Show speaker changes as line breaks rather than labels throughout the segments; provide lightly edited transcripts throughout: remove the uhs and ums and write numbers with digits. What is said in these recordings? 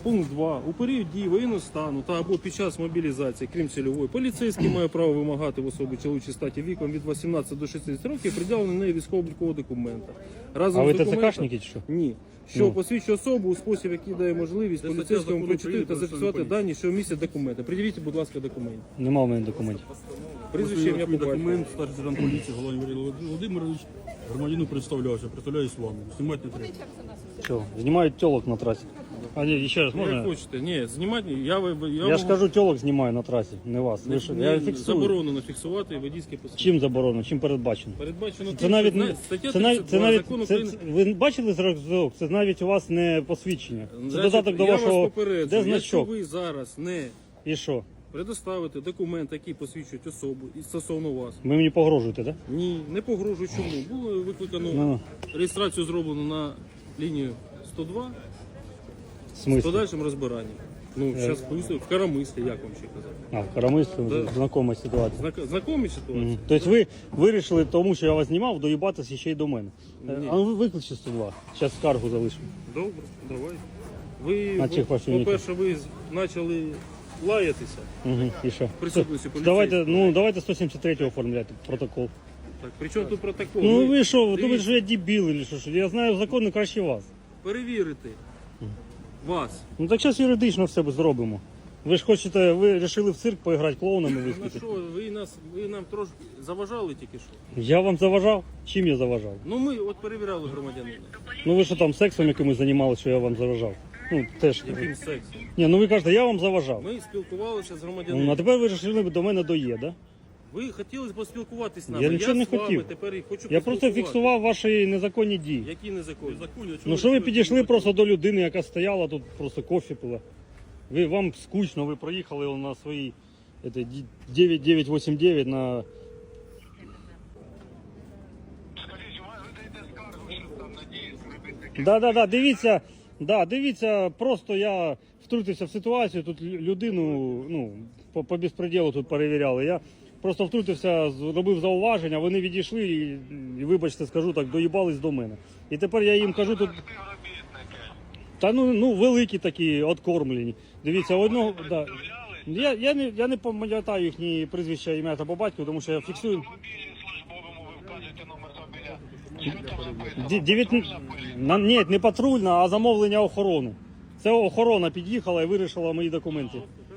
Пункт 2. У період дії воєнного стану та або під час мобілізації, крім цільової, поліцейський має право вимагати в особи чоловічої статі віком від 18 до 60 років пред'явлення неї військово-облікового документа. Разом
А ви
з документом-
ТЦКшники чи що?
Ні. Що посвідчує особу у спосіб, який дає можливість поліцейському прочитати та зафіксувати дані, що містять документи. Придивіть, будь ласка, документ.
Нема в мене документів.
Прізвище, ім'я, по батькові.
Документ, старший сержант поліції, Голованів Валерій Володимирович, громадянину представлявся, представляюсь вам. Знімати не треба.
Що, знімають тілок на трасі. А ні, ще раз
Як
можна?
хочете. Ні, знімати,
Я ж кажу, тілок знімаю на трасі, не вас. Ви що? Я фіксую.
Заборонено фіксувати водійське посвідчення.
Чим заборонено? Чим передбачено?
Передбачено
Це навіть не
стаття
це навіть
32 Закону
це,
України.
ви бачили зразок? Це навіть у вас не посвідчення. Це
Значить,
додаток до
я
вашого.
вас попереджую,
Де
якщо
значок?
ви зараз не
І що?
предоставите документ, який посвідчують особу і стосовно вас.
Ви мені погрожуєте, так?
Ні, не погрожую. Чому? Було викликано
Ну.
реєстрацію зроблено на лінію 102
В
з
смислі?
подальшим розбиранням. Ну, зараз поясню, в Карамислі, як вам ще казати.
А, в Карамислі
Да.
знакома ситуація.
Знакомі ситуації?
Мгм. Тобто ви вирішили, тому що я вас знімав, доїбатися ще й до мене.
Ні.
А ви викличте 102. Зараз скаргу залишимо.
Добре, давай. Ви,
На цих працівників.
по-перше, ви почали лаятися.
Угу. І що?
Присутності
Давайте, ну, давайте 173 оформляти протокол.
Так, при чому тут протокол?
Ну ви що, ви думаєте,
дивіться,
що я дебіл чи що? Я знаю закони краще вас.
перевірити вас.
Ну так зараз юридично все зробимо. Ви ж хочете, ви вирішили в цирк поіграти клоунами
Ну
виступити.
що, ви нам трошки заважали тільки що?
Я вам заважав? Чим я заважав?
Ну ми от перевіряли громадянина.
Ну ви що там сексом якимось займалися, що я вам заважав? Ну теж.
Яким сексом?
Ні, ну ви кажете, я вам заважав.
Ми спілкувалися з
Ну,
громадянином.
а тепер ви вирішили до мене доє, да?
Ви хотіли поспілкуватись з нами.
Я нічого не
з вами
хотів.
тепер і хочу
Я просто
поспілкуватись.
фіксував ваші незаконні дії.
Які незаконні?
Ну що ви підійшли просто до людини, яка стояла тут, просто кофе пила. Вам скучно, ви проїхали на своїй 9989 на...
Скажіть, у вас ви даєте скаргу, що там надіється,
Да, дивіться, просто я втрутився в ситуацію, тут людину, ну, по безпреділу тут перевіряли. Я просто втрутився, зробив зауваження, вони відійшли і вибачте, скажу так, доїбались до мене. І тепер я їм кажу тут,
співробітники.
та ну великі такі, откормлені. Дивіться, одного, да. Я не пам'ятаю їхні прізвища, ім'я та по батьку, тому що я фіксую.
Мобілі службовому ви вказуєте номер автомобіля.
Ні, не патрульна, а замовлення охорони. Це охорона під'їхала і вирішила мої документи.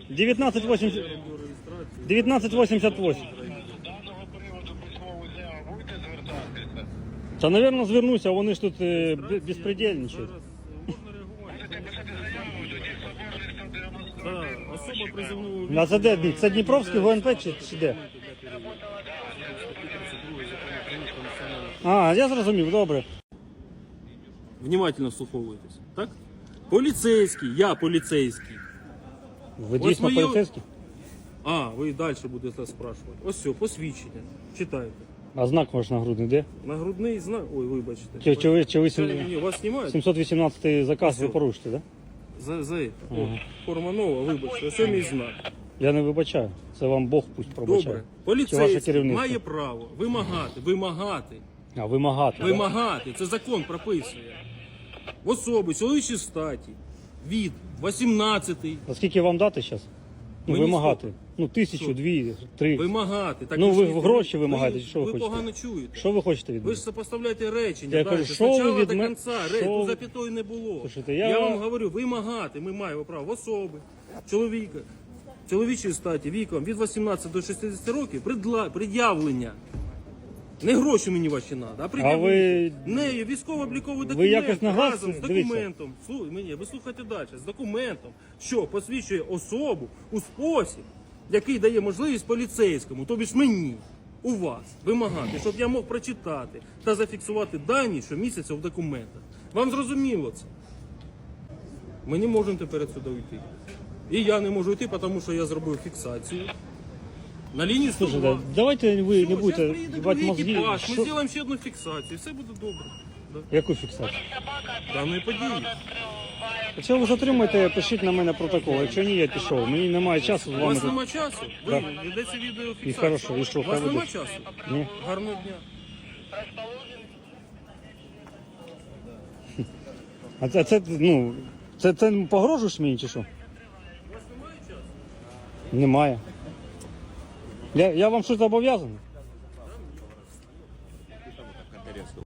1988.
З даного приводу письмову заяву будете звертатися?
Та, мабуть, звернуся, вони ж тут безпредельничають.
Можна реагувати.
Будете писати заяву, тоді соборний 190.
Так, особа призовного
А це де? Це Дніпровський ГУНП чи де? А, я зрозумів, добре.
Внимательно вслуховуєтесь, так? Поліцейський, я поліцейський.
Ви
Ось
дійсно
моє-
поліцейський?
А, ви далі будете спрашувати. Ось все, посвідчення. Читайте.
А знак ваш нагрудний де?
Нагрудний знак. Ой, вибачте.
Чи ви
Ні, вас знімають?
718 заказ ви
Ось.
порушите, так? Да?
За О, форма нова, вибачте. Ось мій знак.
Я не вибачаю. Це вам Бог пусть пробачає.
Добре.
Чи ваше
Поліцейський
керівництво?
має право вимагати.
А, вимагати. да?
Вимагати. Це закон прописує. В особи чоловічій статі від 18
А скільки вам дати зараз? Ну,
Мені
вимагати.
скільки?
Ну, 1000, 2, 3.
вимагати. Так
Ну, ви
ж
гроші вимагаєте, чи що ви
ви
хочете?
погано чуєте.
Що ви хочете від
Ви
мене?
ж сопоставляєте речення.
Я
далі.
кажу, що ви
Спочатку
від
до
мене-
кінця.
що
Тут
ви-
запятої не було.
Слушайте,
я
я-
вам говорю, вимагати ми маємо право в особи, чоловіка, чоловічої статі, віком від 18 до 60 років пред'явлення. Не гроші мені ваші треба, а пред'явлення. Нею військово-обліковий документ
якось нагласили?
разом з
Дивіться.
документом. Ви слухайте далі. З документом, що посвідчує особу у спосіб, який дає можливість поліцейському, тобі ж мені, у вас, вимагати, щоб я мог прочитати та зафіксувати дані, що містяться в документах. Вам зрозуміло це? Ми не можемо тепер сюди йти. І я не можу йти, тому що я зробив фіксацію. На лінії 102.
Слушайте, давайте ви
Все,
не будете
зараз приїде
їбати
другий
мозги.
екіпаж, ми
Що-
зробимо ще одну фіксацію, все буде добре. Да.
Яку фіксацію?
Даної події.
Якщо ви затримаєте, пишіть на мене протокол. Якщо ні, я пішов. Мені немає часу з
У
вами.
вас
тут.
нема часу? Ви
Да.
ведеться відеофіксація.
І хорошо, і що,
У вас
хай
нема
ведеться.
часу?
Ні.
Гарного дня.
А це, ну, Це погрожуєш мені чи що? Немає. Я вам щось зобов'язаний?